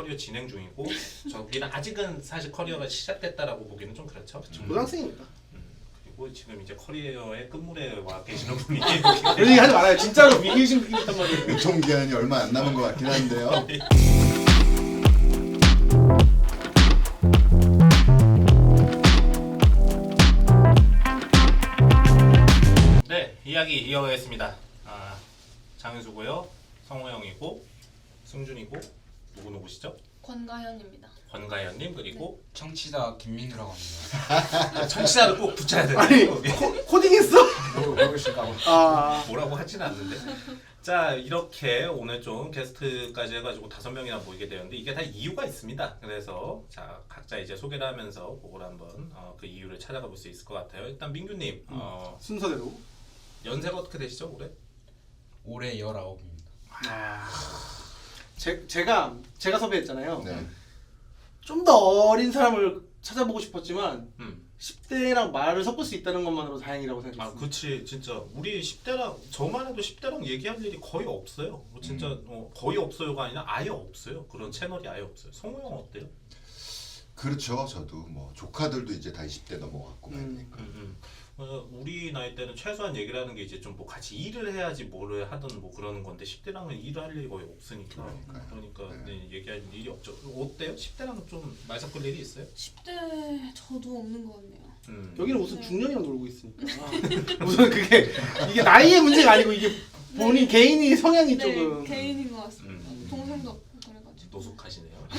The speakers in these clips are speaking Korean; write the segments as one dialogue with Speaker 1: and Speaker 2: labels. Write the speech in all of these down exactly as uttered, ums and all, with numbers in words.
Speaker 1: 커리어 진행 중이고 저기는 아직은 사실 커리어가 시작됐다라고 보기는 좀 그렇죠.
Speaker 2: 음. 고등학생이니까.
Speaker 1: 음, 그리고 지금 이제 커리어의 끝물에 와 계시는 분이
Speaker 2: 그런 얘기 하지 말아요. 진짜로 미기신 분이단 말이에요.
Speaker 3: 유통 기한이 얼마 안 남은 것 같긴 한데요.
Speaker 1: 네, 이야기 이어가겠습니다. 아, 장윤수고요, 성호영이고, 승준이고, 누구 누구시죠?
Speaker 4: 권가현입니다.
Speaker 1: 권가연님 그리고
Speaker 5: 청취자 김민규라고 합니다.
Speaker 1: 청취자를 꼭 붙여야 되나요?
Speaker 2: 아니
Speaker 1: 여기?
Speaker 2: 코, 코딩했어?
Speaker 5: 뭐 모르실까봐.
Speaker 2: 아
Speaker 1: 뭐라고 하진 않는데. 자, 이렇게 오늘 좀 게스트까지 해가지고 다섯 명이나 모이게 되었는데 이게 다 이유가 있습니다. 그래서 자 각자 이제 소개를 하면서 그걸 한번 어, 그 이유를 찾아가 볼 수 있을 것 같아요. 일단 민규님 어,
Speaker 2: 순서대로.
Speaker 1: 연세가 어떻게 되시죠 올해?
Speaker 5: 올해 열아홉입니다.
Speaker 2: 아 제, 제가 제가 섭외했잖아요.
Speaker 3: 네.
Speaker 2: 좀 더 어린 사람을 찾아보고 싶었지만
Speaker 1: 음.
Speaker 2: 십 대랑 말을 섞을 수 있다는 것만으로 다행이라고
Speaker 1: 아,
Speaker 2: 생각했습니다.
Speaker 1: 그치 진짜 우리 십 대랑 저만 해도 십 대랑 얘기할 일이 거의 없어요. 뭐 진짜
Speaker 3: 음.
Speaker 1: 어, 거의 없어요가 아니라 아예 없어요. 그런 채널이 아예 없어요. 성우 형 어때요?
Speaker 3: 그렇죠. 저도 뭐 조카들도 이제 다 이십 대 넘어갔고
Speaker 2: 음.
Speaker 3: 하니까.
Speaker 1: 음, 음. 어, 우리 나이 때는 최소한 얘기를 하는 게 이제 좀 뭐 같이 일을 해야지 뭐를 하든 뭐 그러는 건데 십 대랑은 일을 할 일이 거의 없으니까
Speaker 3: 그러니까요.
Speaker 1: 그러니까
Speaker 3: 네.
Speaker 1: 네, 얘기할 일이 없죠. 어때요? 십 대랑 좀 말 섞을 일이 있어요?
Speaker 4: 십 대 저도 없는 것 같네요.
Speaker 1: 음.
Speaker 2: 여기는 무슨 중년이랑 놀고 있으니까 무슨 그게 이게 나이의 문제가 아니고 이게 본인
Speaker 4: 네.
Speaker 2: 개인이 성향이
Speaker 4: 네,
Speaker 2: 조금
Speaker 4: 개인인 것 같습니다.
Speaker 1: 음.
Speaker 4: 동생도 없고 그래가지고.
Speaker 1: 노숙하시네요.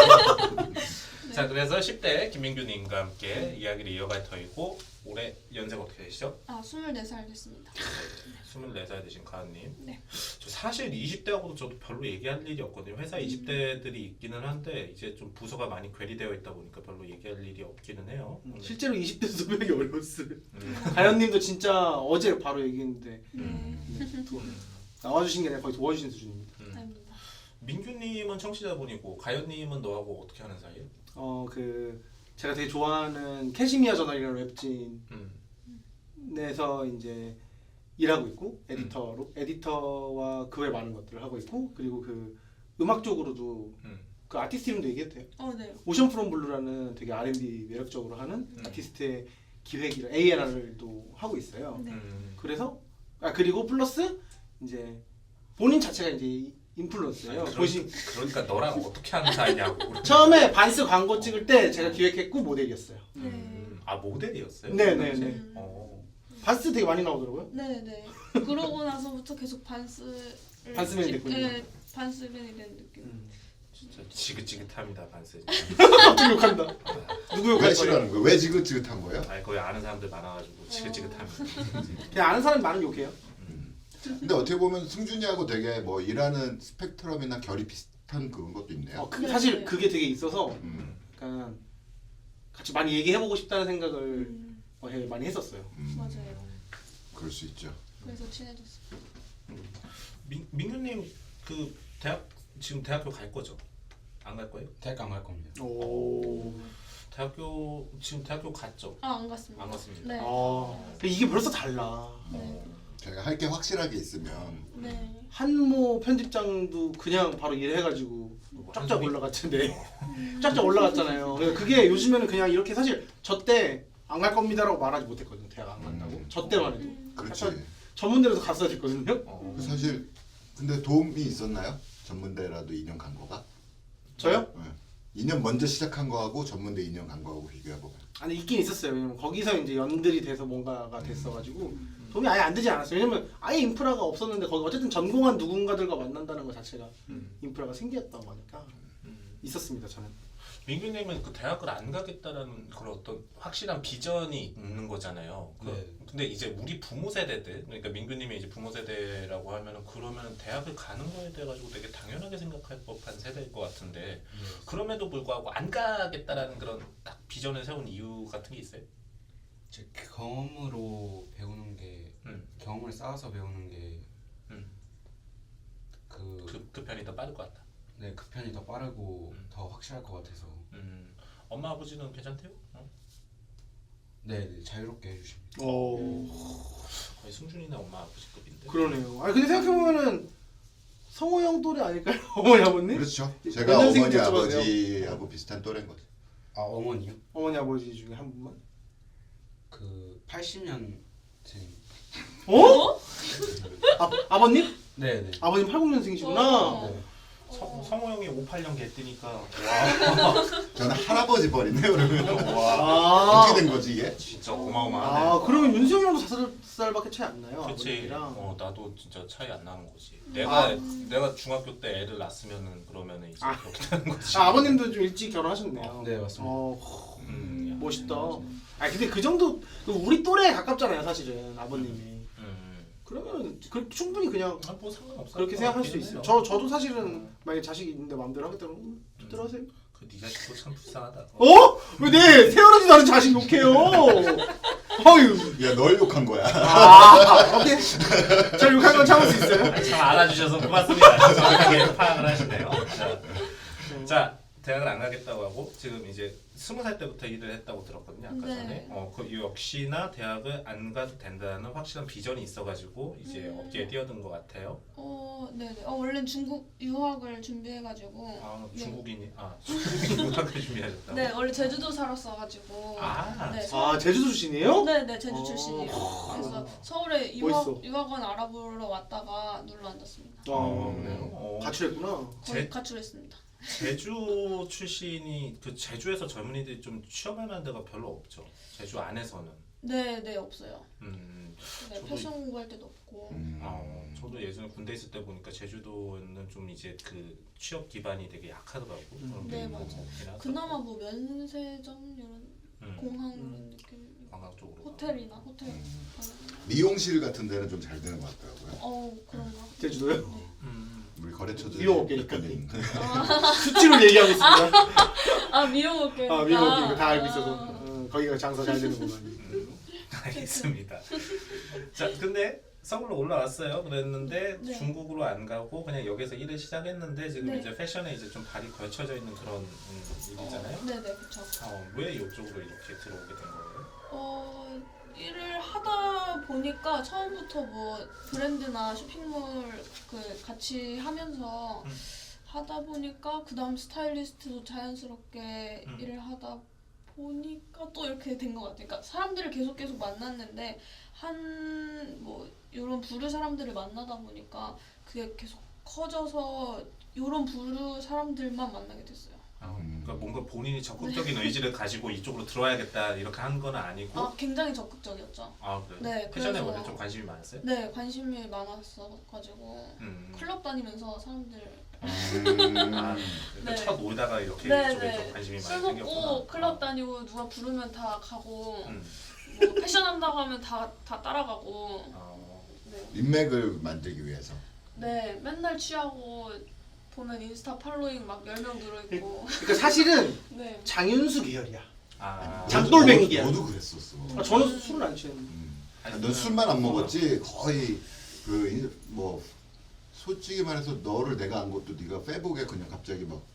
Speaker 4: 네.
Speaker 1: 자, 그래서 십 대 김민규님과 함께 이야기를 이어갈 터이고 올해 연세가 어떻게 되시죠?
Speaker 4: 아 스물네 살 됐습니다.
Speaker 1: 스물네 살 되신 가은님.
Speaker 4: 네.
Speaker 1: 저 사실 이십 대하고도 저도 별로 얘기할 일이 없거든요. 회사
Speaker 4: 음.
Speaker 1: 이십 대들이 있기는 한데 이제 좀 부서가 많이 괴리되어 있다 보니까 별로 얘기할 일이 없기는 해요.
Speaker 2: 음,
Speaker 1: 음.
Speaker 2: 실제로 이십 대 섭외하기 어려웠어요.
Speaker 1: 음.
Speaker 2: 가연님도 진짜 어제 바로 얘기했는데
Speaker 4: 네.
Speaker 1: 음.
Speaker 2: 도- 나와주신 게 아니라 거의 도와주신 수준입니다.
Speaker 1: 음.
Speaker 4: 아닙니다.
Speaker 1: 민규님은 청취자분이고 가연님은 너하고 어떻게 하는 사이예요?
Speaker 2: 어 그 제가 되게 좋아하는 캐시미어 저널이라는 웹진에서
Speaker 1: 음.
Speaker 2: 이제 일하고 있고 에디터로 에디터와 그 외 많은 것들을 하고 있고 그리고 그 음악 쪽으로도
Speaker 1: 음.
Speaker 2: 그 아티스트 이름도 얘기해도 돼요?
Speaker 4: 어 네.
Speaker 2: 오션 프롬 블루라는 되게 알앤비 매력적으로 하는
Speaker 1: 음.
Speaker 2: 아티스트의 기획이라 에이앤알도 하고 있어요.
Speaker 4: 네.
Speaker 1: 음.
Speaker 2: 그래서 아 그리고 플러스 이제 본인 자체가 이제 인플루언서예요.
Speaker 1: 아니, 그러,
Speaker 2: 보시
Speaker 1: 그러니까 너랑 어떻게 하는 사이냐고.
Speaker 2: 처음에 반스 광고 찍을 때 제가 기획했고 모델이었어요.
Speaker 4: 네.
Speaker 1: 음. 아 모델이었어요?
Speaker 2: 네네네.
Speaker 4: 음.
Speaker 1: 어.
Speaker 2: 반스 되게 많이 나오더라고요.
Speaker 4: 네네. 그러고 나서부터 계속 반스.
Speaker 2: 반스맨이 됐군요.
Speaker 4: 네, 반스맨이 된 느낌.
Speaker 2: 음.
Speaker 1: 진짜 지긋지긋합니다 반스.
Speaker 2: 갑자기 욕한다. 누구
Speaker 3: 왜
Speaker 2: 욕할 거예요?
Speaker 3: 싫어하는 거예요? 왜 지긋지긋한 거예요?
Speaker 1: 아니 거의 아는 사람들 많아가지고 지긋지긋합니다.
Speaker 2: 그냥 아는 사람 많은 욕해요.
Speaker 3: 근데 어떻게 보면 승준이하고 되게 뭐 일하는 스펙트럼이나 결이 비슷한 그런 것도 있네요.
Speaker 2: 어, 그,
Speaker 4: 네.
Speaker 2: 사실 그게 되게 있어서
Speaker 3: 음,
Speaker 2: 약간 같이 많이 얘기해보고 싶다는 생각을
Speaker 4: 음,
Speaker 2: 어, 해- 많이 했었어요.
Speaker 3: 음,
Speaker 4: 맞아요.
Speaker 3: 그럴 수 있죠.
Speaker 4: 그래서 친해졌어요.
Speaker 1: 민 민규님 그 대학 지금 대학교 갈 거죠? 안 갈 거예요?
Speaker 5: 대학 안 갈 겁니다.
Speaker 2: 오.
Speaker 1: 대학교 지금 대학교 갔죠?
Speaker 4: 아 안 갔습니다.
Speaker 1: 안 갔습니다.
Speaker 4: 네.
Speaker 2: 아. 근데 이게 벌써 달라.
Speaker 4: 네.
Speaker 3: 제가 할 게 확실하게 있으면
Speaker 4: 네.
Speaker 2: 한모 편집장도 그냥 바로 일해가지고 쫙쫙
Speaker 1: 한숨이-
Speaker 2: 올라갔는데
Speaker 4: 음.
Speaker 2: 쫙쫙 올라갔잖아요. 그래서 그게 요즘에는 그냥 이렇게 사실 저 때 안 갈 겁니다라고 말하지 못했거든요. 대학 안 간다고.
Speaker 3: 음.
Speaker 2: 저 때만 해도
Speaker 4: 음.
Speaker 3: 그렇지.
Speaker 2: 약간 전문대로도 갔어야 됐거든요.
Speaker 1: 어.
Speaker 3: 사실 근데 도움이 있었나요? 전문대라도 이 년 간 거가?
Speaker 2: 저요?
Speaker 3: 네. 이 년 먼저 시작한 거하고 전문대 이 년 간 거하고 비교해 보면.
Speaker 2: 아니 있긴 있었어요. 왜냐면 거기서 이제 연들이 돼서 뭔가가
Speaker 3: 음.
Speaker 2: 됐어가지고 도움이 아예 안 되지 않았어요. 왜냐면 아예 인프라가 없었는데 거기 어쨌든 전공한 누군가들과 만난다는 것 자체가
Speaker 1: 음.
Speaker 2: 인프라가 생겼던 거니까
Speaker 1: 음.
Speaker 2: 있었습니다. 저는.
Speaker 1: 민규님은 그 대학을 안 가겠다라는 그런 어떤 확실한 비전이 있는 거잖아요. 그,
Speaker 5: 네.
Speaker 1: 근데 이제 우리 부모 세대들, 그러니까 민규님이 이제 부모 세대라고 하면은 그러면 대학을 가는 거에 대해 가지고 되게 당연하게 생각할 법한 세대일 것 같은데
Speaker 5: 네.
Speaker 1: 그럼에도 불구하고 안 가겠다라는 그런 딱 비전을 세운 이유 같은 게 있어요?
Speaker 5: 제 경험으로 배우는 게
Speaker 1: 음.
Speaker 5: 경험을 쌓아서 배우는 게
Speaker 1: 음.
Speaker 5: 그,
Speaker 1: 그, 그 편이 더 빠를 것 같다.
Speaker 5: 네, 그 편이 더 빠르고
Speaker 1: 음.
Speaker 5: 더 확실할 것 같아서
Speaker 1: 음. 엄마 아버지는 괜찮대요? 어?
Speaker 5: 네, 네 자유롭게 해주십니다.
Speaker 2: 오.
Speaker 1: 음.
Speaker 4: 음.
Speaker 2: 어.
Speaker 1: 거의 승준이나 엄마 아버지급인데.
Speaker 2: 그러네요. 아 근데 생각해 보면은 성호 형 또래 아닐까요? 어머니 아버님?
Speaker 3: 그렇죠.
Speaker 2: 몇
Speaker 3: 제가
Speaker 2: 년생인지
Speaker 3: 어머니
Speaker 2: 여쭤봐도 돼요?
Speaker 3: 아버지하고 비슷한 또래인 거죠.
Speaker 5: 아 어머니요?
Speaker 2: 어머니 아버지 중에 한 분만?
Speaker 5: 그 팔십 년생.
Speaker 2: 어? 아, 아버님?
Speaker 5: 네네.
Speaker 2: 아버님 팔십 년생이시구나.
Speaker 4: 어.
Speaker 5: 네.
Speaker 1: 성, 성호 형이 오십팔 년 개뜨니까 와,
Speaker 3: 저는 할아버지 버리네요 그러면.
Speaker 1: 와
Speaker 2: 아,
Speaker 3: 어떻게 된 거지 이게?
Speaker 1: 진짜 어마어마하네.
Speaker 2: 아 그러면 윤수형이랑도 다섯 살밖에 차이 안 나요?
Speaker 1: 그치.
Speaker 2: 아버님이랑.
Speaker 1: 어 나도 진짜 차이 안 나는 거지. 내가
Speaker 2: 아.
Speaker 1: 내가 중학교 때 애를 낳았으면은 그러면은 이제
Speaker 2: 아.
Speaker 1: 그렇게 되는 거지.
Speaker 2: 아, 아버님도 좀 일찍 결혼하셨네요.
Speaker 5: 네, 맞습니다.
Speaker 2: 어,
Speaker 1: 음, 야.
Speaker 2: 멋있다. 아 근데 그 정도 우리 또래에 가깝잖아요 사실은 아버님이.
Speaker 1: 음.
Speaker 2: 그러면 그 충분히 그냥
Speaker 1: 아, 뭐 상관없어.
Speaker 2: 그렇게 생각할 수 있어요. 저 저도 사실은 만약에 자식이 있는데 마음대로 하겠다면 음, 마음대로 하세요.
Speaker 1: 그네 자식도 참 불쌍하다.
Speaker 2: 어? 왜 내 세월하지 않은 자식 욕해요? 어유.
Speaker 3: 야 널 욕한 거야.
Speaker 2: 아 오케이. 저 욕한 건 참을 수 있어요.
Speaker 1: 아니, 참 알아주셔서 고맙습니다. 정확하게 파악을 하시네요. 자, 자, 대학을 안 가겠다고 하고 지금 이제 스무 살 때부터 일을 했다고 들었거든요. 아까
Speaker 4: 네.
Speaker 1: 전에. 어, 그 역시나 대학을 안 가도 된다는 확실한 비전이 있어가지고 이제
Speaker 4: 음.
Speaker 1: 업계에 뛰어든 것 같아요.
Speaker 4: 어, 네네. 어, 원래 중국 유학을 준비해가지고.
Speaker 1: 아,
Speaker 4: 네.
Speaker 1: 중국인이 아 중국인 유학을 준비하셨다고.
Speaker 4: 네, 원래 제주도 살았어가지고.
Speaker 1: 아,
Speaker 4: 네,
Speaker 2: 아 제주도 출신이에요?
Speaker 4: 네네, 제주
Speaker 2: 어.
Speaker 4: 출신이에요. 그래서
Speaker 1: 아.
Speaker 4: 서울에
Speaker 2: 멋있어.
Speaker 4: 유학, 유학원 알아보러 왔다가 눌러 앉았습니다.
Speaker 1: 어, 그래요? 어.
Speaker 2: 가출했구나.
Speaker 4: 거의
Speaker 1: 제-
Speaker 4: 가출했습니다.
Speaker 1: 제주 출신이 그 제주에서 젊은이들이 좀 취업할 만한 데가 별로 없죠. 제주 안에서는.
Speaker 4: 네네, 없어요.
Speaker 1: 음.
Speaker 4: 네,
Speaker 1: 저도
Speaker 4: 패션 공부할 때도 없고.
Speaker 3: 음.
Speaker 1: 어, 저도 예전에 군대 있을 때 보니까 제주도는 좀 이제 그 취업 기반이 되게 약하더라고.
Speaker 2: 음.
Speaker 1: 그런
Speaker 4: 네,
Speaker 1: 게
Speaker 4: 맞아요.
Speaker 1: 있긴 하더라고.
Speaker 4: 그나마 뭐 면세점 이런
Speaker 1: 음,
Speaker 4: 공항
Speaker 2: 음.
Speaker 4: 이런 느낌.
Speaker 1: 관광 쪽으로.
Speaker 4: 호텔이나 호텔.
Speaker 3: 음.
Speaker 4: 가면.
Speaker 3: 미용실 같은 데는 좀 잘 되는 것 같더라고요.
Speaker 4: 어, 그런가?
Speaker 2: 제주도요?
Speaker 4: 네.
Speaker 1: 음.
Speaker 3: 우리 거래처들
Speaker 2: 미용 업계니까.
Speaker 4: 아,
Speaker 2: 수치로 얘기하고 있습니다.
Speaker 4: 아 미용업계.
Speaker 2: 아 미용 업계 다 알고 있어서 어, 거기가 장사 잘 되는 구만.
Speaker 1: 음, 알겠습니다. 자, 근데 서울로 올라왔어요. 그랬는데
Speaker 4: 네.
Speaker 1: 중국으로 안 가고 그냥 여기서 일을 시작했는데 지금
Speaker 4: 네.
Speaker 1: 이제 패션에 이제 좀 발이 걸쳐져 있는 그런 음, 일이잖아요.
Speaker 4: 네네, 그쵸.
Speaker 1: 어, 왜 이쪽으로 이렇게 들어오게 된 거예요?
Speaker 4: 어, 일을 하다 보니까 처음부터 뭐 브랜드나 쇼핑몰 그 같이 하면서
Speaker 1: 음.
Speaker 4: 하다 보니까 그 다음 스타일리스트도 자연스럽게
Speaker 1: 음.
Speaker 4: 일을 하다 보니까 또 이렇게 된 것 같아요. 그러니까 사람들을 계속 계속 만났는데 한 뭐 이런 부류 사람들을 만나다 보니까 그게 계속 커져서 이런 부류 사람들만 만나게 됐어요.
Speaker 1: 아,
Speaker 3: 음.
Speaker 1: 그러니까 뭔가 본인이 적극적인 의지를 가지고 이쪽으로 들어와야겠다 이렇게 한 건 아니고.
Speaker 4: 아, 굉장히 적극적이었죠.
Speaker 1: 아 그래요?
Speaker 4: 네,
Speaker 1: 패션에
Speaker 4: 그래서-
Speaker 1: 원래 좀 관심이 많았어요?
Speaker 4: 네, 관심이 많았어가지고
Speaker 1: 음.
Speaker 4: 클럽 다니면서 사람들
Speaker 3: 음.
Speaker 1: 아, 그러니까
Speaker 4: 네.
Speaker 1: 첫 놀다가 이렇게
Speaker 4: 네,
Speaker 1: 이쪽에
Speaker 4: 네.
Speaker 1: 좀 관심이
Speaker 4: 술
Speaker 1: 많이
Speaker 4: 먹고
Speaker 1: 생겼구나.
Speaker 4: 클럽 다니고 누가 부르면 다 가고
Speaker 1: 음.
Speaker 4: 뭐 패션 한다고 하면 다, 다 따라가고
Speaker 1: 어,
Speaker 4: 네.
Speaker 3: 인맥을 만들기 위해서.
Speaker 4: 네, 맨날 취하고 보면 인스타 팔로잉 막 열 명 들어있고
Speaker 2: 그러니까 사실은
Speaker 4: 네.
Speaker 2: 장윤수 계열이야.
Speaker 1: 아,
Speaker 2: 장돌뱅이야.
Speaker 3: 너도, 너도 그랬었어.
Speaker 2: 아, 저는 술을 안 취했는데.
Speaker 3: 음. 넌 술만 안 먹었지 거의 그 뭐 솔직히 말해서 너를 내가 안 것도 네가 페북에 그냥 갑자기 막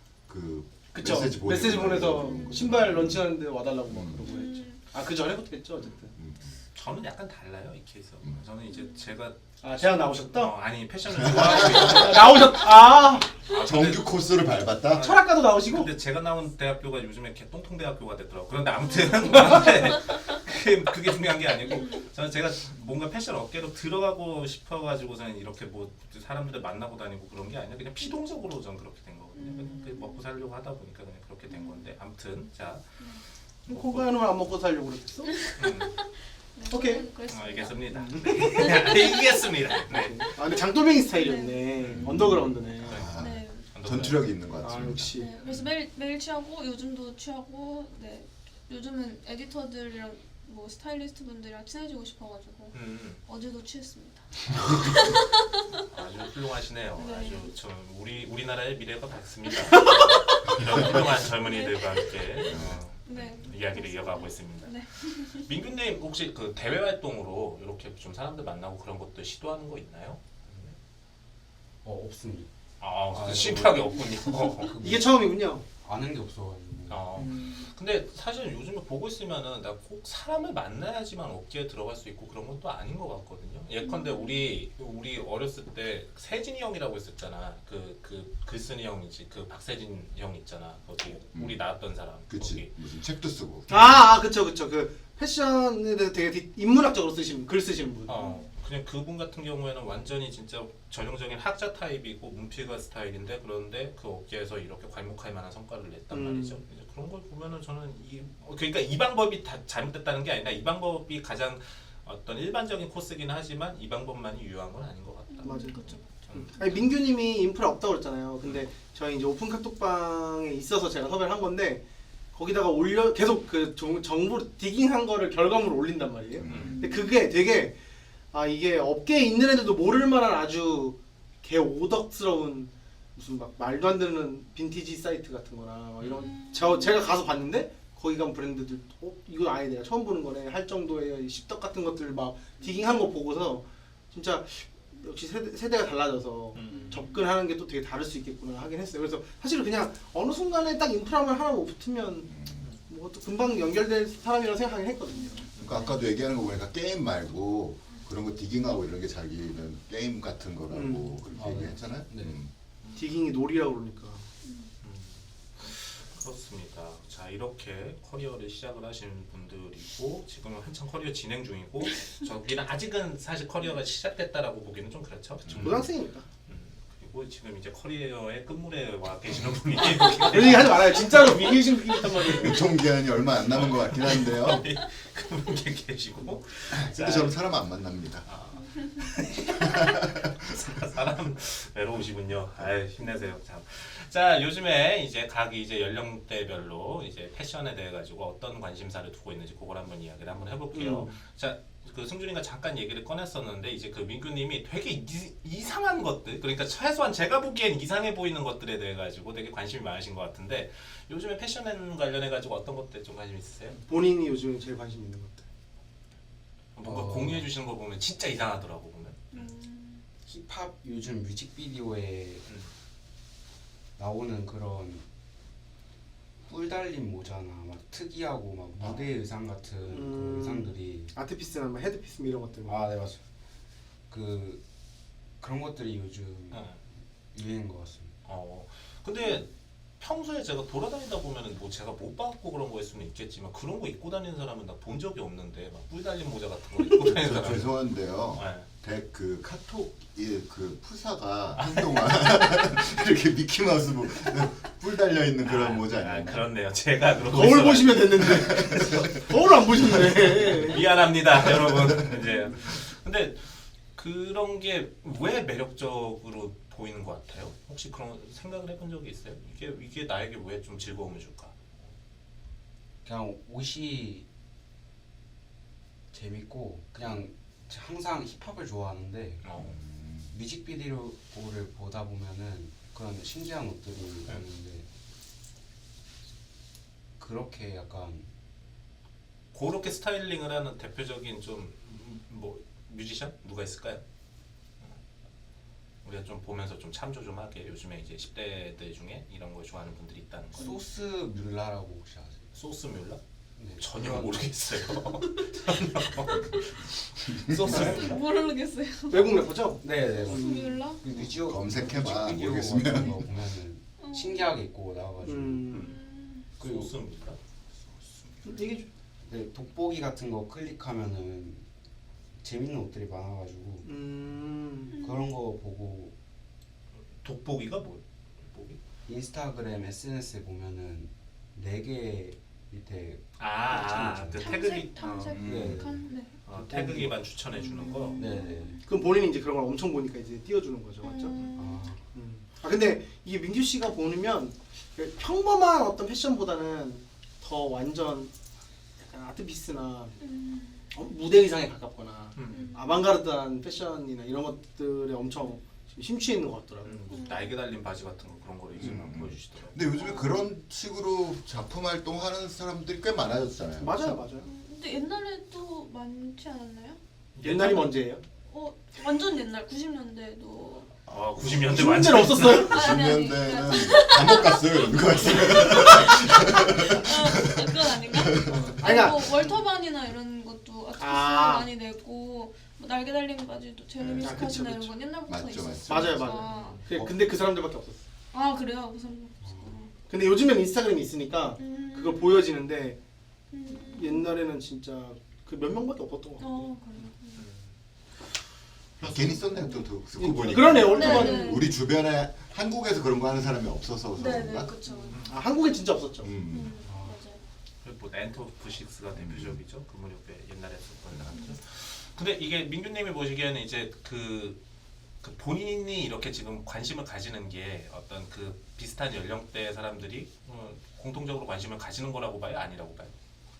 Speaker 3: 그
Speaker 2: 그쵸.
Speaker 3: 메시지 보내고
Speaker 2: 메시지 보내서
Speaker 3: 그런 거.
Speaker 2: 신발 런칭하는데 와달라고 막
Speaker 3: 음.
Speaker 2: 그러고 했죠.
Speaker 4: 음,
Speaker 2: 아 그 전에부터 했죠 어쨌든.
Speaker 3: 음.
Speaker 1: 저는 약간 달라요 이 케이스.
Speaker 3: 음.
Speaker 1: 저는 이제 제가
Speaker 2: 아 대학
Speaker 1: 어,
Speaker 2: 나오셨다?
Speaker 1: 아니 패션을 좋아하고 있는
Speaker 2: 아, 나오셨. 아
Speaker 1: 아,
Speaker 3: 정규 코스를 밟았다.
Speaker 2: 철학과도 나오시고.
Speaker 1: 근데 제가 나온 대학교가 요즘에 개똥통 대학교가 됐더라고. 그런데 아무튼 그런데 그게, 그게 중요한 게 아니고 저는 제가 뭔가 패션 업계로 들어가고 싶어가지고서는 이렇게 뭐 사람들을 만나고 다니고 그런 게 아니라 그냥 피동적으로 전 그렇게 된 거거든요. 그냥 그 먹고 살려고 하다 보니까 그냥 그렇게 된 건데 아무튼 자
Speaker 2: 건강한 걸 안 먹고 살려고 그랬어?
Speaker 1: 음,
Speaker 4: 네,
Speaker 2: 오케이.
Speaker 4: 저는 그랬습니다.
Speaker 1: 알겠습니다. 네, 알겠습니다. 네.
Speaker 2: 아 근데 장돌뱅이 스타일이었네.
Speaker 1: 음.
Speaker 2: 언더그라운드네.
Speaker 3: 아,
Speaker 4: 네.
Speaker 3: 전투력이 있는 것
Speaker 2: 아
Speaker 3: 같습니다.
Speaker 2: 역시.
Speaker 4: 네, 그래서 매일 매일 취하고 요즘도 취하고 네 요즘은 에디터들이랑 뭐 스타일리스트 분들이랑 친해지고 싶어가지고
Speaker 1: 음,
Speaker 4: 어제도 취했습니다.
Speaker 1: 아주 훌륭하시네요.
Speaker 4: 네.
Speaker 1: 아주 저 우리 우리나라의 미래가 밝습니다. 이런 훌륭한 젊은이들과 함께 어,
Speaker 4: 네.
Speaker 1: 이야기를 이어가고 있습니다.
Speaker 4: 네.
Speaker 1: 민규님 혹시 그 대외 활동으로 이렇게 좀 사람들 만나고 그런 것도 시도하는 거 있나요?
Speaker 5: 어 없습니다.
Speaker 1: 아,
Speaker 5: 아,
Speaker 1: 그 심플하게 없군요.
Speaker 2: 이게 처음이군요.
Speaker 5: 아는 게 없어가지고.
Speaker 1: 어.
Speaker 2: 음.
Speaker 1: 근데 사실 요즘에 보고 있으면은 나 꼭 사람을 만나야지만 업계에 들어갈 수 있고 그런 건 또 아닌 것 같거든요. 예컨대 우리 우리 어렸을 때 세진이 형이라고 있었잖아. 그 그 글쓴이 형이지. 그 박세진 형 있잖아. 거기 우리 나왔던 사람.
Speaker 3: 그치.
Speaker 1: 거기.
Speaker 3: 무슨 책도 쓰고.
Speaker 2: 아, 아 그쵸 그쵸 그 패션에 대해서 되게 디- 인문학적으로 쓰신 글 쓰신 분.
Speaker 1: 어 그냥 그분 같은 경우에는 완전히 진짜 전형적인 학자 타입이고 문필가 스타일인데 그런데 그 업계에서 이렇게 괄목할 만한 성과를 냈단
Speaker 2: 음.
Speaker 1: 말이죠. 이제 그런 걸 보면은 저는 이 어, 그러니까 이 방법이 다 잘못됐다는 게 아니라 이 방법이 가장 어떤 일반적인 코스긴 하지만 이 방법만이 유효한 건 아닌 것 같다.
Speaker 2: 맞아요.
Speaker 4: 그쵸.
Speaker 1: 음.
Speaker 2: 아니 민규님이 인프라 없다고 그랬잖아요. 근데 저희 이제 오픈 카톡방에 있어서 제가 섭외를 한 건데 거기다가 올려 계속 그 정, 정보 디깅한 거를 결과물을 올린단 말이에요.
Speaker 1: 음.
Speaker 2: 근데 그게 되게 아 이게 업계에 있는 애들도 모를 만한 아주 개 오덕스러운 무슨 막 말도 안 되는 빈티지 사이트 같은 거나 막 이런
Speaker 4: 음.
Speaker 2: 저 제가 가서 봤는데 거기 간 브랜드들 어 이거 아예 내가 처음 보는 거네 할 정도의 십덕 같은 것들 막 디깅한 거 보고서 진짜 역시 세대, 세대가 달라져서
Speaker 1: 음.
Speaker 2: 접근하는 게 또 되게 다를 수 있겠구나 하긴 했어요. 그래서 사실은 그냥 어느 순간에 딱 인프라만 하나 못 붙으면 뭐 또 금방 연결될 사람이라고 생각하긴 했거든요.
Speaker 3: 그러니까 아까도 얘기하는 거 보니까 게임 말고 그런 거 디깅하고 이런 게 자기는 게임 같은 거라고
Speaker 2: 음.
Speaker 3: 그렇게
Speaker 5: 아, 네.
Speaker 3: 얘기했잖아요.
Speaker 5: 네.
Speaker 3: 음.
Speaker 2: 디깅이 놀이라고 그러니까.
Speaker 1: 음. 그렇습니다. 자 이렇게 커리어를 시작을 하신 분들이고 지금은 한창 커리어 진행 중이고 저기는 아직은 사실 커리어가 시작됐다라고 보기는 좀 그렇죠.
Speaker 3: 음.
Speaker 2: 고등학생이니까.
Speaker 1: 음, 그리고 지금 이제 커리어의 끝물에 와 계시는 분이
Speaker 2: 그런 얘기 하지 말아요. 진짜로 위기의식 느끼겠단 말이에요.
Speaker 3: 유통기한이 얼마 안 남은 것 같긴 한데요.
Speaker 1: 그분 계시고
Speaker 3: 근데 저는 사람 안 만납니다.
Speaker 1: 아, 사- 사람 외로우시군요. 아유 힘내세요. 참. 자 요즘에 이제 각 이제 연령대별로 이제 패션에 대해 가지고 어떤 관심사를 두고 있는지 그걸 한번 이야기를 한번 해볼게요.
Speaker 2: 음.
Speaker 1: 자. 그 승준이가 잠깐 얘기를 꺼냈었는데 이제 그 민규님이 되게 이, 이상한 것들 그러니까 최소한 제가 보기엔 이상해 보이는 것들에 대해 가지고 되게 관심이 많으신 것 같은데 요즘에 패션 관련해 가지고 어떤 것들 좀 관심 있으세요?
Speaker 2: 본인이 요즘에 제일 관심 있는 것들.
Speaker 1: 뭔가
Speaker 5: 어.
Speaker 1: 공유해 주시는 거 보면 진짜 이상하더라고 보면.
Speaker 4: 음.
Speaker 5: 힙합 요즘 뮤직비디오에
Speaker 1: 음.
Speaker 5: 나오는 그런 뿔 달린 모자나 막 특이하고 막 무대 의상 같은
Speaker 2: 음.
Speaker 5: 그 의상들이
Speaker 2: 아트피스나 뭐 헤드피스 뭐 이런 것들.
Speaker 5: 아 네 맞아요. 그 그런 것들이 요즘
Speaker 1: 어.
Speaker 5: 유행인 것 같습니다.
Speaker 1: 어. 근데 평소에 제가 돌아다니다 보면은 뭐 제가 못 봤고 그런 거일 수는 있겠지만 그런 거 입고 다니는 사람은 나 본 적이 없는데 막 뿔 달린 모자 같은 거 입고 다니는
Speaker 3: 저
Speaker 1: 사람.
Speaker 3: 죄송한데요.
Speaker 1: 네.
Speaker 3: 대, 그 카톡 그 푸사가 한동안 이렇게 미키마우스 뭐, 뿔 달려 있는 그런
Speaker 1: 아,
Speaker 3: 모자
Speaker 1: 아,
Speaker 3: 아니에요?
Speaker 1: 그렇네요. 제가 그러고
Speaker 2: 거울
Speaker 1: 있어가지고.
Speaker 2: 보시면 됐는데 거울 안 보셨네.
Speaker 1: 미안합니다, 여러분. 이제 근데 그런 게 왜 매력적으로 보이는 것 같아요? 혹시 그런 생각을 해본 적이 있어요? 이게 이게 나에게 왜 좀 즐거움을 줄까?
Speaker 5: 그냥 옷이 재밌고 그냥 항상 힙합을 좋아하는데
Speaker 1: 어.
Speaker 5: 뮤직비디오를 보다 보면은 그런 신기한 옷들이 있는데 그렇게 약간
Speaker 1: 그렇게 스타일링을 하는 대표적인 좀 뭐 뮤지션 누가 있을까요? 우리가 좀 보면서 좀 참조 좀 하게 요즘에 이제 십 대들 중에 이런 걸 좋아하는 분들이 있다는 거.
Speaker 5: 소스 뮬라라고 혹시 아세요?
Speaker 1: 소스 뮬라?
Speaker 5: 네,
Speaker 1: 전혀
Speaker 5: 그런-
Speaker 1: 모르겠어요. 전혀. 소스 뮬라?
Speaker 4: 모르겠어요.
Speaker 2: 외국 래퍼죠?
Speaker 5: 네네
Speaker 4: 뮬라?
Speaker 5: 그 뮤지오
Speaker 3: 검색해봐,
Speaker 5: 뮤직비디오
Speaker 3: 모르겠으면.
Speaker 5: 같은 거 보면은 신기하게 입고 나와가지고
Speaker 2: 음.
Speaker 4: 음.
Speaker 5: 그리고
Speaker 1: 소스 뮬라?
Speaker 2: 얘기 좀.
Speaker 5: 네, 돋보기 같은 거 클릭하면은 재밌는 옷들이 많아가지고
Speaker 2: 음.
Speaker 5: 그런 거 보고
Speaker 1: 돋보기가 뭐? 돋보기?
Speaker 5: 인스타그램 에스엔에스에 보면은 네 개 밑에
Speaker 1: 아, 아, 그 태그기
Speaker 4: 탐색
Speaker 1: 어,
Speaker 5: 네.
Speaker 4: 탐색 네.
Speaker 1: 어, 태그기만 추천해 주는 거.
Speaker 4: 음.
Speaker 5: 네네
Speaker 2: 그럼 본인이 이제 그런 걸 엄청 보니까 이제 띄워주는 거죠, 맞죠?
Speaker 4: 음.
Speaker 5: 아,
Speaker 2: 음. 아 근데 이게 민규 씨가 보면 평범한 어떤 패션보다는 더 완전 약간 아트피스나
Speaker 4: 음.
Speaker 2: 어? 무대 의상에 가깝거나
Speaker 1: 음.
Speaker 2: 아방가르드한 패션이나 이런 것들에 엄청 지금 심취해 있는 것 같더라고요.
Speaker 1: 음, 무슨 날개 달린 바지 같은 거 그런 거를 이제 막
Speaker 3: 음.
Speaker 1: 보여주시더라고요.
Speaker 3: 근데 요즘에 그런 식으로 작품 활동하는 사람들이 꽤 많아졌잖아요.
Speaker 2: 맞아요, 맞아요.
Speaker 4: 음, 근데 옛날에도 많지 않았나요?
Speaker 2: 옛날이 언제예요?
Speaker 4: 어 완전 옛날 구십 년대도
Speaker 1: 아, 구십 년대
Speaker 2: 구십 년대는
Speaker 1: 완전
Speaker 2: 없었어요?
Speaker 4: 아니, 아니,
Speaker 3: 구십 년대는 감옥 갔어요, 이런 거 같아요.
Speaker 4: 아, 그건 아닌가?
Speaker 2: 아니,
Speaker 4: 아니, 뭐 월터반이나 이런 것도 아티스트
Speaker 2: 아.
Speaker 4: 많이 내고 뭐 날개 달린 바지도 제레미
Speaker 2: 아, 그쵸,
Speaker 4: 스캇이나 이런
Speaker 2: 그쵸.
Speaker 4: 건 옛날부터
Speaker 3: 맞죠,
Speaker 4: 있었으니까.
Speaker 2: 맞아요, 맞아요. 그래, 근데 그 사람들밖에 없었어.
Speaker 4: 아 그래요? 그 사람.
Speaker 2: 근데 요즘엔 인스타그램이 있으니까
Speaker 4: 음.
Speaker 2: 그걸 보여지는데
Speaker 4: 음.
Speaker 2: 옛날에는 진짜 그 몇 명밖에 없었던 것 같아.
Speaker 4: 어 그래요.
Speaker 3: 괜히 썼네 또 듣고
Speaker 2: 예,
Speaker 3: 보니까.
Speaker 2: 그러네, 월터반.
Speaker 4: 네, 네.
Speaker 3: 우리 주변에 한국에서 그런 거 하는 사람이 없어서
Speaker 4: 네네
Speaker 3: 그런가?
Speaker 4: 그렇죠.
Speaker 2: 아, 한국엔 진짜 없었죠.
Speaker 3: 음.
Speaker 4: 음, 맞아요.
Speaker 1: 뭐 엔터오프식스가 대표적이죠. 그 무렵에 옛날에 썼던 사람들. 근데 이게 민규님이 보시기에는 이제 그, 그 본인이 이렇게 지금 관심을 가지는 게 어떤 그 비슷한 연령대 사람들이 어, 공통적으로 관심을 가지는 거라고 봐요, 아니라고 봐요?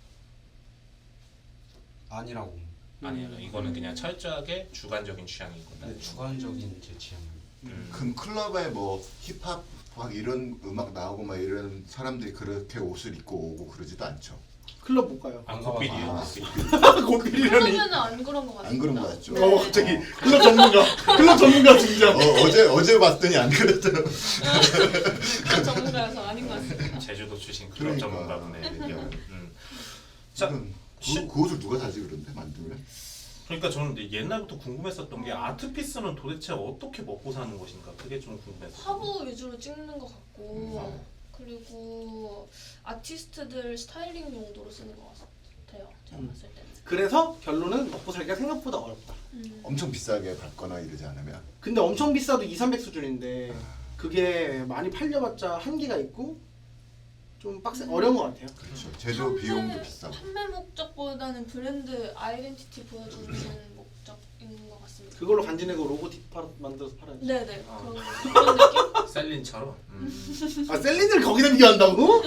Speaker 5: 아니라고.
Speaker 1: 아니요, 이거는 그냥 철저하게 주관적인 취향인 거다.
Speaker 5: 네, 주관적인 제 취향은.
Speaker 1: 음.
Speaker 3: 그럼 클럽에 뭐 힙합 막 이런 음악 나오고 막 이런 사람들이 그렇게 옷을 입고 오고 그러지도 않죠.
Speaker 2: 클럽 못 가요.
Speaker 1: 아, 고필이요.
Speaker 3: 아.
Speaker 1: 고필.
Speaker 2: 고필이라니.
Speaker 4: 그러면은 안 그런 것 같아요.
Speaker 3: 안 그런 거 같죠?
Speaker 4: 네.
Speaker 2: 어 갑자기 클럽 전문가. 클럽 전문가 진짜.
Speaker 3: 어, 어제 어제 봤더니 안 그랬더라고.
Speaker 4: 그런 전문가여서 아닌 것 같습니다.
Speaker 1: 제주도 출신 클럽
Speaker 3: 그러니까.
Speaker 1: 전문가분의
Speaker 3: 그러니까.
Speaker 1: 의견. 음. 자,
Speaker 3: 그,
Speaker 1: 시-
Speaker 3: 그 옷을 누가 사지 그런데 만들면?
Speaker 1: 그러니까 저는 근데 옛날부터 궁금했었던 게 아트피스는 도대체 어떻게 먹고 사는 것인가 그게 좀 궁금했어요.
Speaker 4: 화보 위주로 찍는 것 같고
Speaker 3: 음.
Speaker 4: 그리고 아티스트들 스타일링 용도로 쓰는 것 같아요. 제가
Speaker 2: 음.
Speaker 4: 봤을 때는.
Speaker 2: 그래서 결론은 먹고 살기가 생각보다 어렵다.
Speaker 4: 음.
Speaker 3: 엄청 비싸게 받거나 이러지 않으면
Speaker 2: 근데 엄청 비싸도 이삼백 수준인데 그게 많이 팔려봤자 한계가 있고 좀 빡세 어려운 것 같아요.
Speaker 3: 그렇죠. 제조 비용도 비싸고.
Speaker 4: 판매 목적보다는 브랜드 아이덴티티 보여주는 목적인 것 같습니다.
Speaker 2: 그걸로 간지내고 로고팁 팔아, 만들어서 팔아야지.
Speaker 4: 네네
Speaker 1: 아.
Speaker 4: 그런, 그런 느낌?
Speaker 1: 셀린처럼. 음.
Speaker 2: 아 셀린을 거기다 비교한다고?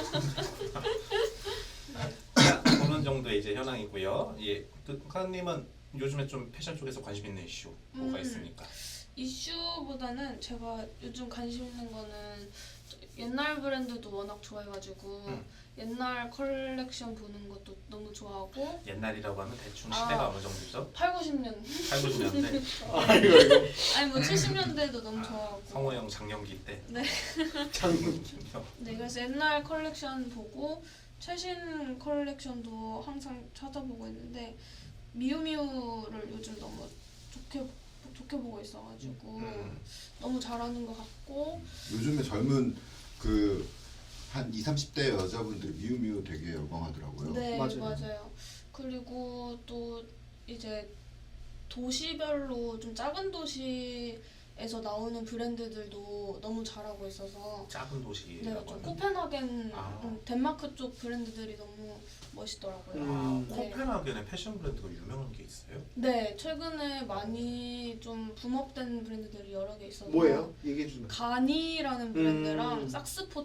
Speaker 1: 자, 그런 정도의 이제 현황이고요. 예, 그 카님은 요즘에 좀 패션 쪽에서 관심 있는 이슈 뭐가
Speaker 4: 음.
Speaker 1: 있습니까?
Speaker 4: 이슈보다는 제가 요즘 관심 있는 거는 옛날 브랜드도 워낙 좋아해가지고
Speaker 1: 음.
Speaker 4: 옛날 컬렉션 보는 것도 너무 좋아하고
Speaker 1: 옛날이라고 하면 대충
Speaker 4: 아.
Speaker 1: 시대가 어느 정도죠?
Speaker 4: 팔, 구십 년
Speaker 1: 팔, 구십 년대
Speaker 2: 아 이거 이거
Speaker 4: 아니 뭐 칠십 년대도 너무
Speaker 1: 아,
Speaker 4: 좋아하고
Speaker 1: 성호형 장년기 때.
Speaker 4: 네.
Speaker 2: 장군.
Speaker 4: 네 그래서 옛날 컬렉션 보고 최신 컬렉션도 항상 찾아보고 있는데 미우미우를 요즘 너무 좋게 좋게 보고 있어가지고
Speaker 1: 음.
Speaker 4: 너무 잘하는 것 같고
Speaker 3: 요즘에 젊은 그 한 이십, 삼십 대 여자분들이 미우미우 되게 열광하더라고요.
Speaker 4: 네
Speaker 2: 맞아요.
Speaker 4: 맞아요. 그리고 또 이제 도시별로 좀 작은 도시에서 나오는 브랜드들도 너무 잘하고 있어서
Speaker 1: 작은
Speaker 4: 네,
Speaker 1: 도시라고
Speaker 4: 좀
Speaker 1: 하면
Speaker 4: 코펜하겐
Speaker 1: 아.
Speaker 4: 음, 덴마크 쪽 브랜드들이 너무 멋있더라고요.
Speaker 2: 음.
Speaker 1: 아,
Speaker 4: 네.
Speaker 1: 코펜하겐에 패션 브랜드가 유명한 게 있어요?
Speaker 4: 네, 최근에 많이 좀 붐업된 브랜드들이 여러 개 있어서
Speaker 2: 뭐예요? 얘기해 주면.
Speaker 4: 가니라는 브랜드랑
Speaker 2: 음.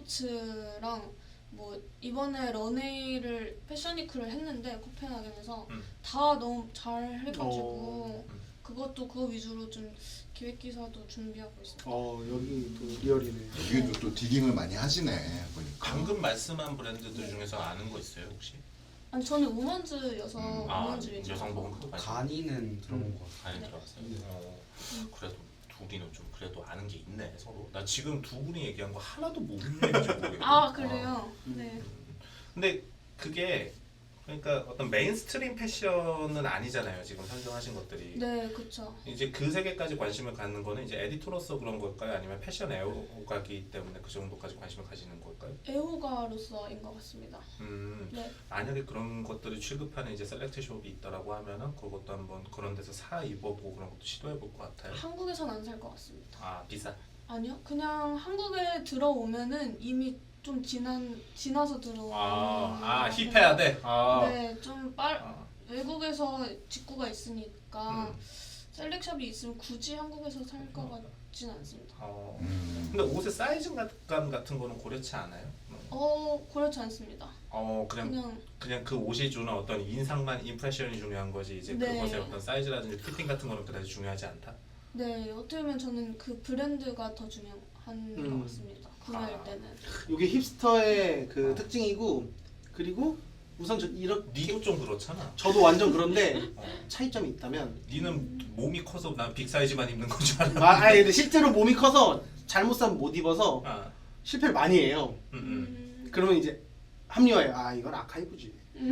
Speaker 4: 삭스포츠랑 뭐 이번에 런웨이를 패션위크를 했는데 코펜하겐에서
Speaker 1: 음.
Speaker 4: 다 너무 잘 해가지고
Speaker 2: 어.
Speaker 1: 음.
Speaker 4: 그것도 그거 위주로 좀 기획 기사도 준비하고 있습니다.
Speaker 2: 어 여기 또 리얼이네.
Speaker 3: 여기도 또 디깅을 많이 하시네 보니까.
Speaker 1: 방금 말씀한 브랜드들 중에서 아는 거 있어요 혹시?
Speaker 4: 아니 저는 우먼즈여서
Speaker 3: 음.
Speaker 1: 아,
Speaker 4: 우먼즈 위주로
Speaker 1: 여성복은 그거 말고
Speaker 5: 간이는 들어본 것 같아요.
Speaker 1: 많이
Speaker 4: 네.
Speaker 1: 들어봤어요.
Speaker 5: 네.
Speaker 1: 어,
Speaker 4: 음.
Speaker 1: 그래도 둘이는 좀 그래도 아는 게 있네 서로. 나 지금 두 분이 얘기한 거 하나도 무슨 얘기인지 모르겠어.
Speaker 4: 아 그래요?
Speaker 2: 음.
Speaker 4: 네.
Speaker 1: 근데 그게 그러니까 어떤 메인스트림 패션은 아니잖아요 지금 선정하신 것들이.
Speaker 4: 네, 그쵸.
Speaker 1: 이제 그 세계까지 관심을 갖는 거는 이제 에디터로서 그런 걸까요? 아니면 패션 애호가기 때문에 그 정도까지 관심을 가지는 걸까요?
Speaker 4: 애호가로서인 것 같습니다.
Speaker 1: 음,
Speaker 4: 네.
Speaker 1: 만약에 그런 것들을 취급하는 이제 셀렉트 숍이 있다라고 하면은 그것도 한번 그런 데서 사 입어보고 그런 것도 시도해 볼 것 같아요.
Speaker 4: 한국에선 안 살 것 같습니다.
Speaker 1: 아 비싸.
Speaker 4: 아니요, 그냥 한국에 들어오면은 이미 좀 지난 지나서 들어오는.
Speaker 1: 아, 아
Speaker 4: 것
Speaker 1: 힙해야 돼. 아.
Speaker 4: 네, 좀 빨.
Speaker 1: 아.
Speaker 4: 외국에서 직구가 있으니까
Speaker 1: 음.
Speaker 4: 셀렉샵이 있으면 굳이 한국에서 살 것 같진 않습니다.
Speaker 1: 어.
Speaker 3: 음.
Speaker 1: 근데 옷의 사이즈감 같은 거는 고려치 않아요? 음.
Speaker 4: 어, 그렇지 않습니다.
Speaker 1: 어 그냥
Speaker 4: 그냥
Speaker 1: 그냥 그 옷이 주는 어떤 인상만 임프레션이 중요한 거지 이제
Speaker 4: 네.
Speaker 1: 그것의 어떤 사이즈라든지 피팅 같은 거는 그다지 중요하지 않다.
Speaker 4: 네, 어떻게 보면 저는 그 브랜드가 더 중요한
Speaker 2: 음.
Speaker 4: 것 같습니다. 구매할
Speaker 1: 아.
Speaker 4: 때는.
Speaker 2: 이게 힙스터의 그 특징이고 그리고 우선 저 이렇게
Speaker 1: 니도 좀 그렇잖아.
Speaker 2: 저도 완전 그런데
Speaker 1: 어.
Speaker 2: 차이점이 있다면
Speaker 1: 니는 몸이 커서 난 빅 사이즈만 입는 건 줄 알아.
Speaker 2: 아 아니 근데 실제로 몸이 커서 잘못 사면 못 입어서
Speaker 1: 아,
Speaker 2: 실패를 많이 해요.
Speaker 1: 음, 음.
Speaker 4: 음.
Speaker 2: 그러면 이제 합리화해. 아 이건 아카이브지.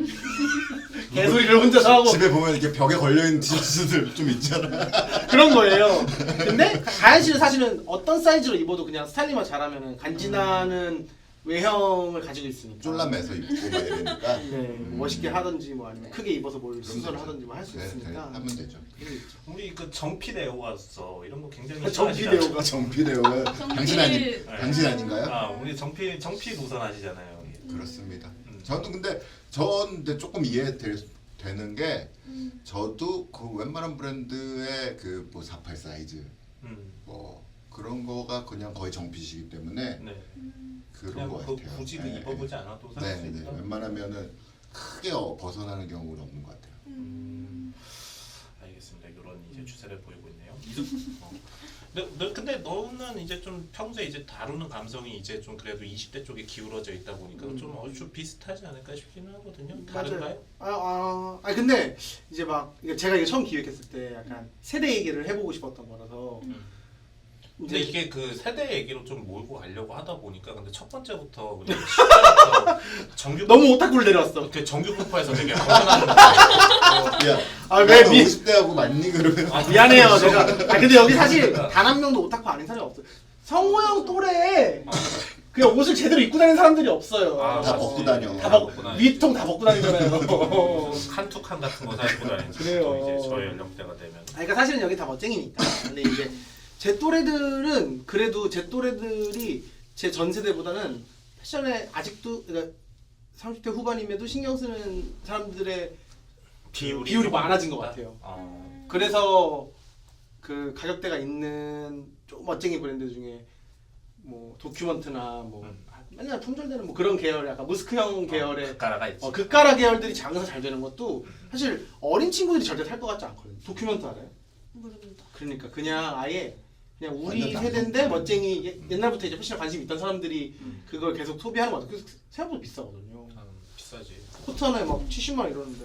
Speaker 2: 개소리를 혼자서 하고
Speaker 3: 집에 보면 이렇게 벽에 걸려 있는 티셔츠들 좀 있잖아.
Speaker 2: 그런 거예요. 근데 가연 씨는 사실은 어떤 사이즈로 입어도 그냥 스타일링만 잘하면 간지나는 외형을 가지고 있으니까.
Speaker 3: 쫄라매서 입고 막 이러니까.
Speaker 2: 네, 뭐 멋있게 하든지 뭐 아니면 크게 입어서 뭘
Speaker 3: 그럼
Speaker 2: 수선을
Speaker 3: 되죠.
Speaker 2: 하든지 뭐 할 수
Speaker 3: 네,
Speaker 2: 있으니까.
Speaker 3: 네, 하면 되죠.
Speaker 2: 그게 있죠.
Speaker 1: 우리 그 정피대오가서 이런 거 굉장히
Speaker 2: 정피대오가
Speaker 3: 정피대오가 당신 아니
Speaker 4: 정필.
Speaker 3: 당신 아닌가요?
Speaker 1: 아 우리 정피 정피 노선 하시잖아요.
Speaker 3: 그렇습니다.
Speaker 1: 음.
Speaker 3: 저는 근데 전 근데 조금 이해되는 게 저도 그 웬만한 브랜드의 그 뭐 사십팔 사이즈
Speaker 1: 음.
Speaker 3: 뭐 그런 거가 그냥 거의 정핏이기 때문에
Speaker 1: 네.
Speaker 3: 그런
Speaker 1: 그냥
Speaker 3: 거
Speaker 1: 그
Speaker 3: 같아요.
Speaker 1: 굳이 그
Speaker 3: 네,
Speaker 1: 입어보지 않아도 살
Speaker 3: 네,
Speaker 1: 수
Speaker 3: 네.
Speaker 1: 있다.
Speaker 3: 웬만하면은 크게 어, 벗어나는 경우는 없는 것 같아요.
Speaker 1: 음. 알겠습니다. 이런 이제 추세를 보이고 있네요. 어. 근데, 너, 근데 너는 이제 좀 평소에 이제 다루는 감성이 이제 좀 그래도 이십 대 쪽에 기울어져 있다 보니까
Speaker 2: 음.
Speaker 1: 좀 얼추 비슷하지 않을까 싶기는 하거든요.
Speaker 2: 맞아요.
Speaker 1: 다른가요?
Speaker 2: 아, 아, 아 근데 이제 막 이게 제가 이게 처음 기획했을 때 약간 세대 얘기를 해보고 싶었던 거라서
Speaker 1: 음.
Speaker 2: 이제
Speaker 1: 근데 이게 그 세대 얘기로 좀 몰고 가려고 하다 보니까 근데 첫 번째부터 그냥 시작부터 정규
Speaker 2: 너무 오타쿠를 내려왔어.
Speaker 1: 이렇게 정규 분파에서 되게 벗어나는 거.
Speaker 3: 야,
Speaker 2: 아, 왜 미-
Speaker 3: 오십 대하고 맞니 그러면?
Speaker 1: 아,
Speaker 2: 미안해요 제가. 아 근데 여기 사실 단 한 명도 오타쿠 아닌 사람이 없어. 성호 형 또래 그냥 옷을 제대로 입고 다니는 사람들이 없어요.
Speaker 1: 아,
Speaker 3: 다
Speaker 1: 맞지.
Speaker 3: 벗고 다녀.
Speaker 2: 다 벗고
Speaker 1: 다니지.
Speaker 2: 위통 다 벗고 다니잖아요.
Speaker 1: 칸투칸 같은 거 사입고 다니죠.
Speaker 2: 그래요.
Speaker 1: 또 이제 저의 연령대가 되면.
Speaker 2: 아, 그러니까 사실은 여기 다 멋쟁이니까. 근데 이제 제 또래들은 그래도 제 또래들이 제 전 세대보다는 패션에 아직도 그러니까 삼십 대 후반임에도 신경 쓰는 사람들의
Speaker 1: 비율이,
Speaker 2: 비율이
Speaker 1: 좀
Speaker 2: 많아진 것
Speaker 1: 있다?
Speaker 2: 같아요.
Speaker 1: 어.
Speaker 2: 그래서 그 가격대가 있는 좀 멋쟁이 브랜드 중에 뭐 도큐먼트나 뭐
Speaker 1: 음.
Speaker 2: 맨날 품절되는 뭐 그런 계열 약간 무스크형 계열의
Speaker 1: 어, 가라가 있지.
Speaker 2: 어, 극가라 계열들이 장사 잘 되는 것도 사실 어린 친구들이 절대 살 것 같지 않거든요. 도큐먼트 알아요?
Speaker 4: 모릅니다.
Speaker 2: 그러니까 그냥 아예 그냥 우리
Speaker 3: 완전
Speaker 2: 세대인데
Speaker 3: 남성.
Speaker 2: 멋쟁이 예- 옛날부터 이제 패션에 관심 있던 사람들이
Speaker 1: 음.
Speaker 2: 그걸 계속 소비하는 것 같아요. 그래서 생각보다 비싸거든요.
Speaker 1: 음, 비싸지.
Speaker 2: 코트 하나에 막 칠십만 원 이러는데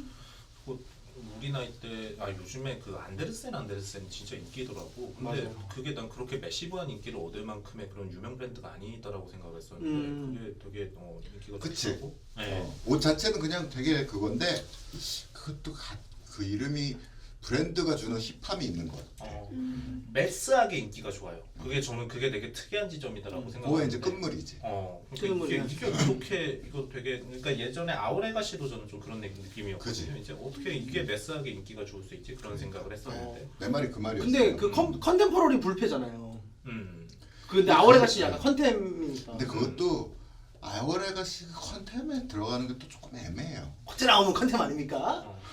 Speaker 1: 우리 나이 때, 아 요즘에 그 안데르센 안데르센 진짜 인기더라고. 근데
Speaker 2: 맞아요.
Speaker 1: 그게 난 그렇게 매시브한 인기를 얻을 만큼의 그런 유명 브랜드가 아니더라고 생각했었는데
Speaker 2: 음.
Speaker 1: 그게 되게 어, 인기가
Speaker 3: 그치.
Speaker 1: 좋고. 네.
Speaker 3: 어, 옷 자체는 그냥 되게 그건데 그것도 가, 그 이름이 브랜드가 주는 힙함이 있는 것 같아.
Speaker 1: 어,
Speaker 4: 음.
Speaker 1: 매스하게 인기가 좋아요. 그게 저는 그게 되게 특이한 지점이다라고
Speaker 2: 음.
Speaker 3: 그거에
Speaker 1: 생각하는데.
Speaker 3: 이제 끝물이지.
Speaker 1: 어, 그러니까 이게,
Speaker 2: 끝물이야.
Speaker 1: 이게 어떻게 이거 되게 그러니까 예전에 아우레가 씨도 저는 좀 그런 느낌이었거든요.
Speaker 3: 그지.
Speaker 1: 이제 어떻게 이게 매스하게 인기가 좋을 수 있지 그런 생각을 했었는데.
Speaker 3: 내 말이 그 말이었어.
Speaker 2: 근데 그 컨, 컨템포러리 불패잖아요.
Speaker 1: 음.
Speaker 2: 근데 아오레가씨 약간 컨템이니까
Speaker 3: 근데 그것도 아이월에가 씨 컨템에 들어가는 게 또 조금 애매해요.
Speaker 2: 어째 나오면 컨템 아닙니까?
Speaker 1: 어.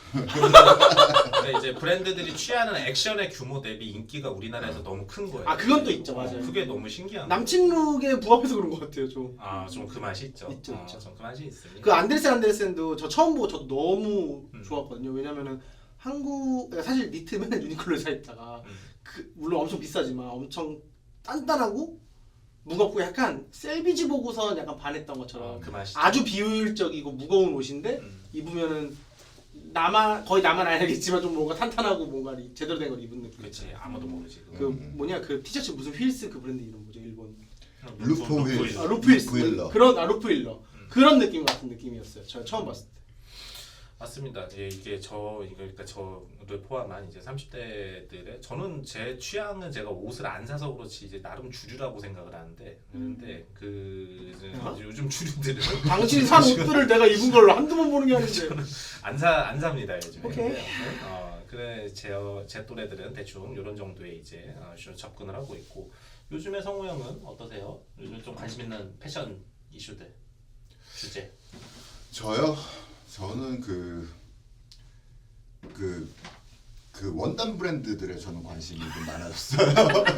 Speaker 1: 근데 이제 브랜드들이 취하는 액션의 규모 대비 인기가 우리나라에서 너무 큰 거예요.
Speaker 2: 아, 그건 또 있죠, 맞아요.
Speaker 1: 어, 그게 너무 신기한.
Speaker 2: 남친 룩에 부합해서 그런 것 같아요 좀.
Speaker 1: 아좀 그 맛이 있죠.
Speaker 2: 있죠,
Speaker 1: 어,
Speaker 2: 있죠.
Speaker 1: 좀 그 맛이 있습니다.
Speaker 2: 그 안데르센 안데르센도 저 처음 보고 저도 너무
Speaker 1: 음.
Speaker 2: 좋았거든요. 왜냐면은 한국 그러니까 사실 니트 맨날 유니클로에 사 입다가
Speaker 1: 음.
Speaker 2: 그 물론 엄청 비싸지만 엄청 단단하고 무겁고 약간 셀비지 보고선 약간 반했던 것처럼
Speaker 1: 어, 그 맛이.
Speaker 2: 아주 비효율적이고 무거운 옷인데
Speaker 1: 음.
Speaker 2: 입으면은 나만 거의 나만 알겠지만 좀 뭔가 탄탄하고 뭔가 이- 제대로 된 걸 입은 느낌.
Speaker 1: 그렇지 아무도 모르지. 그거.
Speaker 2: 그
Speaker 3: 음.
Speaker 2: 뭐냐 그 티셔츠 무슨 휠스 그 브랜드 이름 뭐죠 일본.
Speaker 3: 루프 휠.
Speaker 1: 휠.
Speaker 2: 아 루프 휠스
Speaker 3: 루프힐러.
Speaker 2: 그런 아 루프 힐러
Speaker 1: 음.
Speaker 2: 그런 느낌 같은 느낌이었어요. 저 처음 봤을 때.
Speaker 1: 맞습니다. 예, 이게 저 이거 그러니까 저를 포함한 이제 삼십 대들의 저는 제 취향은 제가 옷을 안 사서 그렇지 이제 나름 주류라고 생각을 하는데 그런데 그 이제
Speaker 2: 어?
Speaker 1: 요즘 주류들은
Speaker 2: 당신이 산 옷들을 내가 입은 걸 한두 번 보는 게 아닌데.
Speaker 1: 안사안 삽니다 요즘에.
Speaker 2: 오케이.
Speaker 1: 근데, 어, 그래 제, 제 또래들은 대충 이런 정도의 이제 어, 좀 접근을 하고 있고 요즘에 성우 형은 어떠세요? 요즘 좀 관심 있는 패션 이슈들 주제.
Speaker 3: 저요? 저는 그, 그, 그 원단 브랜드들에 저는 관심이 좀 많아졌어요.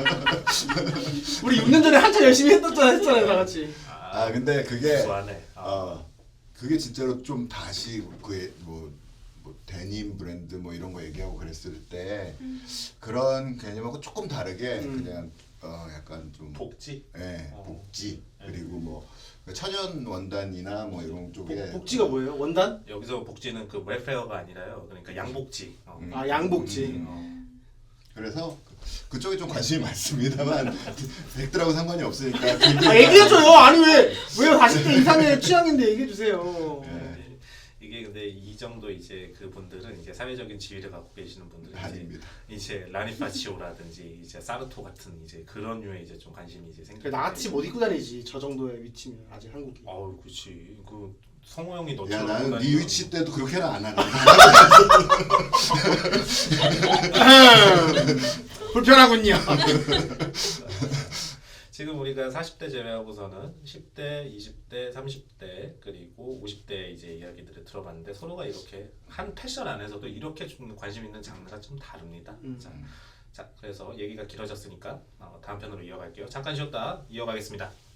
Speaker 2: 우리 육 년 전에 한참 열심히 했었잖아 했잖아요 다 같이.
Speaker 3: 아 근데 그게
Speaker 1: 좋아하네. 아.
Speaker 3: 어 그게 진짜로 좀 다시 그뭐 뭐 데님 브랜드 뭐 이런 거 얘기하고 그랬을 때 그런 개념하고 조금 다르게
Speaker 2: 음.
Speaker 3: 그냥 어 약간 좀
Speaker 1: 복지.
Speaker 3: 예,
Speaker 1: 어.
Speaker 3: 복지
Speaker 1: 네.
Speaker 3: 그리고 뭐 천연 원단이나 뭐 이런 쪽에
Speaker 2: 복, 복지가 뭐예요? 원단?
Speaker 1: 여기서 복지는 그 웰페어가 아니라요. 그러니까 양복지. 어.
Speaker 3: 음.
Speaker 2: 아 양복지.
Speaker 1: 음, 어.
Speaker 3: 그래서 그쪽에 좀 관심이 많습니다만 백들하고 상관이 없으니까.
Speaker 2: 아, 얘기해줘요. 아니 왜 왜요? 사십 대 이상의 취향인데 얘기해주세요.
Speaker 3: 네.
Speaker 1: 이게 근데 이 정도 이제 그분들은 이제 사회적인 지위를 갖고 계시는 분들은 이제
Speaker 3: 아닙니다.
Speaker 1: 이제 라니파치오라든지 이제 사르토 같은 이제 그런 류의 이제 좀 관심이 이제 생기고.
Speaker 2: 나같이 못 입고 다니지. 저 정도의 위치면 아직 한국이.
Speaker 1: 어우, 그렇지. 그 성호 형이
Speaker 3: 야
Speaker 1: 너처럼
Speaker 3: 나는 네 위치 때도 그렇게는 안 하는데.
Speaker 2: 불편하군요.
Speaker 1: 지금 우리가 사십 대 제외하고서는 십 대, 이십 대, 삼십 대 그리고 오십 대 이제 이야기들을 들어봤는데 서로가 이렇게 한 패션 안에서도 이렇게 좀 관심 있는 장르가 좀 다릅니다.
Speaker 2: 음.
Speaker 1: 자, 자, 그래서 얘기가 길어졌으니까 어, 다음 편으로 이어갈게요. 잠깐 쉬었다 이어가겠습니다.